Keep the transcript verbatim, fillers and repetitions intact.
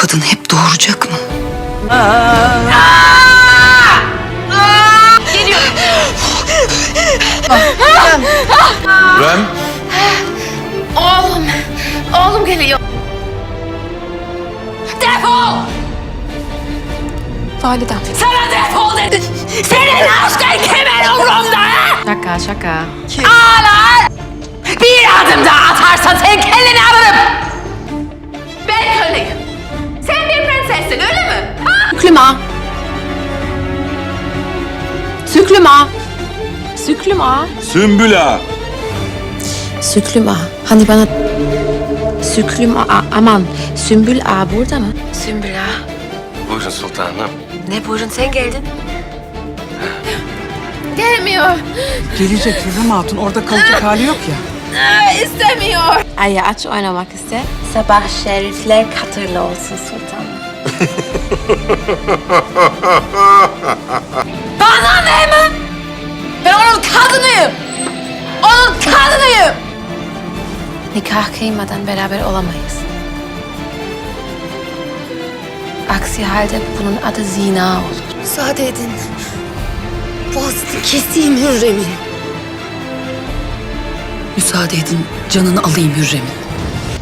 kadın hep doğuracak mı? Geliyor. Rem. Oğlum. Oğlum geliyor. Defol! Validem. Sana defol dedim. Senin aşkın kimin umurumda ha? Şaka şaka. Ağlar! Bir adım daha atarsan senin kelleni alırım. Ben köleyim. Sen bir prensessin öyle mi? Ha? Süklüma. Süklüma. Süklüma. Sümbüla. Süklüma. Hani bana... Süklüma. a- Aman. Sümbül ağa burada mı? Sümbül ağa. Buyurun sultanım. Ne buyurun sen geldin. Gelmiyor. Gelecek Hürrem Hatun, orada kalacak hali yok ya. Aa, istemiyor. Ay aç oynamak iste. Sabah şerifler katırlı olsun sultanım. Bana ne mi? Ben onun kadınıyım. Onun kadınıyım. Nikah kıymadan beraber olamayız. Aksi halde bunun adı zina olur. Müsaade edin. Boğazını keseyim Hürrem'in. Müsaade edin, canını alayım Hürrem'in.